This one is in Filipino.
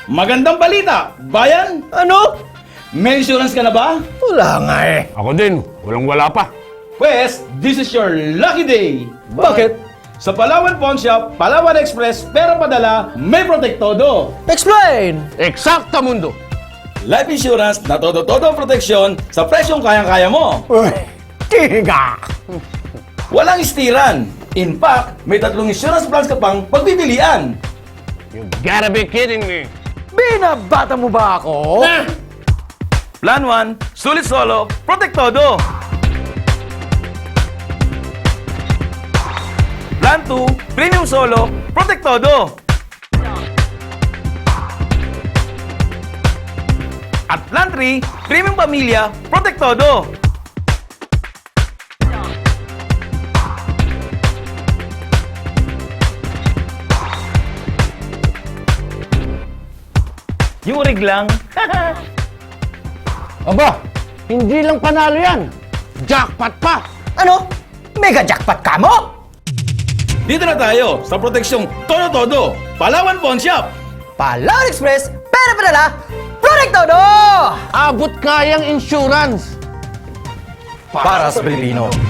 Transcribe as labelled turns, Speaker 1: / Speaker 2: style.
Speaker 1: Magandang balita, bayan!
Speaker 2: Ano?
Speaker 1: May insurance ka na ba?
Speaker 2: Wala nga eh.
Speaker 3: Ako din, walang-wala pa.
Speaker 1: Pwes, this is your lucky day!
Speaker 2: Bakit?
Speaker 1: Sa Palawan Pawn Shop, Palawan Express, pera padala, may protektodo!
Speaker 2: Explain!
Speaker 3: Eksakta mundo.
Speaker 1: Life insurance na todo-todo ang proteksyon sa presyong kayang-kaya mo.
Speaker 2: Uy, tiga!
Speaker 1: Walang istiran. In fact, may 3 insurance plans ka pang pagpipilian.
Speaker 3: You gotta be kidding me.
Speaker 2: Binabata mo ba ako?
Speaker 1: Plan 1, sulit solo, protektodo. Plan 2, premium solo, protektodo. At Plan 3, premium pamilya, protektodo. Yung rig lang.
Speaker 3: Aba, hindi lang panalo yan. Jackpot pa.
Speaker 2: Ano? Mega jackpot ka mo?
Speaker 1: Dito na tayo sa proteksyong todo-todo, Palawan Pawn Shop.
Speaker 2: Palawan Express, pera padala, protektodo!
Speaker 3: Abot kayang insurance.
Speaker 2: Para sa Pilipino.